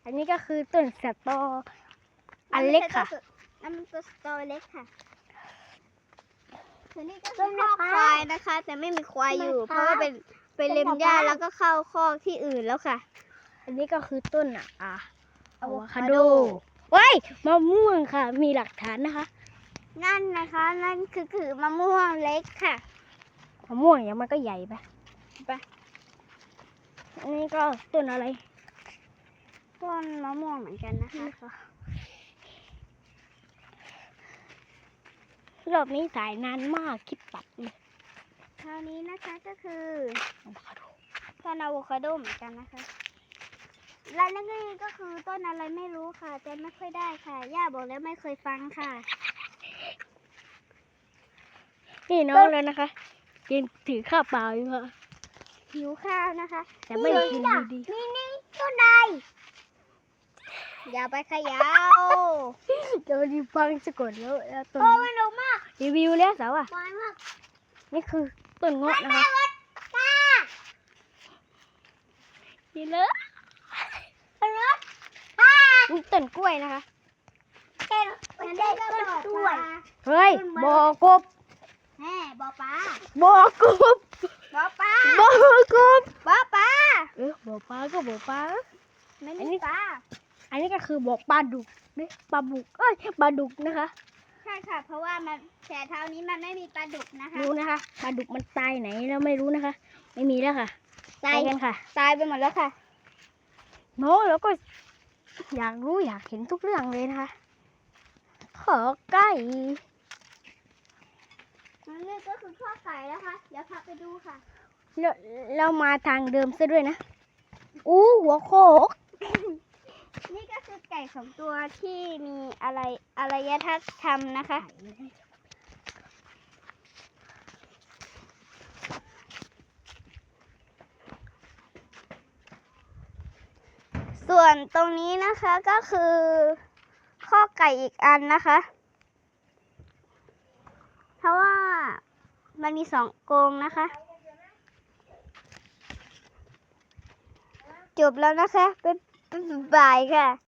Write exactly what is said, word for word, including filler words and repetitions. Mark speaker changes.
Speaker 1: อันนี้ก็คือต้นสตออันเล็กค่ะ
Speaker 2: นั่นมันต้นสตอเล็กค่ะส่วนนี้ก็คือคอกควายนะคะแต่ไม่มีควายอยู่เพราะว่าเป็นเป็นเลมหญ้าแล้วก็เข้าคอกที่อื่นแล้วค่ะ
Speaker 1: อันนี้ก็คือต้นอ่ะอะอะโวคาโดเว้ยมะม่วงค่ะมีหลักฐานนะคะ
Speaker 2: นั่นนะคะนั่นคือคือมะม่วงเล็กค่ะ
Speaker 1: มะม่วงอย่างมันก็ใหญ่ไป
Speaker 2: ไป
Speaker 1: อันนี้ก็ต้นอะไร
Speaker 2: ต้นมะม่วงเหมือนกันนะคะ
Speaker 1: รอบนี้สายนานมากคิดตัดเลย
Speaker 2: คราวนี้นะคะก็คือ
Speaker 1: อะโวคาโด
Speaker 2: ต้นอะโวคาโดเหมือนกันนะคะและนั่นก็คือต้นอะไรไม่รู้ค่ะแต่ไม่ค่อยได้ค่ะย่าบอกแล้วไม่เคยฟังค่ะ
Speaker 1: นี่น้องแล้วนะคะกินถือข้าวเปล่าอยู่ค่ะ
Speaker 2: หิวข้าวนะคะ
Speaker 1: แต่ไม่ได้กินดี
Speaker 2: ๆนี่นี่ต้นใดอย่าไปขยาว
Speaker 1: เดี๋ยวดีฟังจะกดแล้วแล้วต้น
Speaker 2: โอ้ยหนุกมาก
Speaker 1: รีวิวแล้วสาวอ่ะ
Speaker 2: น้อยมาก
Speaker 1: นี่คือต้นเงาะนะคะนี่เลย
Speaker 2: รถป้า
Speaker 1: นี่ต้นกล้วยนะคะ
Speaker 2: เต้นมันได้ต้นกล้วย
Speaker 1: เฮ้ยบอกบ
Speaker 2: แม่บอป้า
Speaker 1: บอกบ
Speaker 2: บอป้า
Speaker 1: บอกบ
Speaker 2: บอป้า
Speaker 1: เออบอกปลาก็บอกปลา
Speaker 2: ไม่มีป้า
Speaker 1: อันนี้ก็คือบอกปลาดุกนี่ปลาบุกเอ้ยปลาดุกนะคะ
Speaker 2: ใช่ค่ะเพราะว่ามันแถวเท้านี้มันไม่มีปลาดุกนะคะ
Speaker 1: รู้นะคะปลาดุกมันตายไหนเราไม่รู้นะคะ ไม่มีแล้วค่ะตายกันค่ะ
Speaker 2: ตายไปหมดแล้วค่ะ
Speaker 1: โน้แล้วก็อยากรู้อยากเห็นทุกเรื่องเลยนะคะขอไก่
Speaker 2: นี่ก็คือข้อไก่แล้วค่ะเดี๋ยวพาไปดูค่ะ
Speaker 1: เราเรามาทางเดิมซะด้วยนะอู้หัวโคก
Speaker 2: นี่ก็คือไก่สองตัวที่มีอะไรอารยธรรมนะคะ ส่วนตรงนี้นะคะก็คือข้อไก่อีกอันนะคะ เพราะว่ามันมีสองกรงนะคะ จบแล้วนะคะบ๊ายบายค่ะ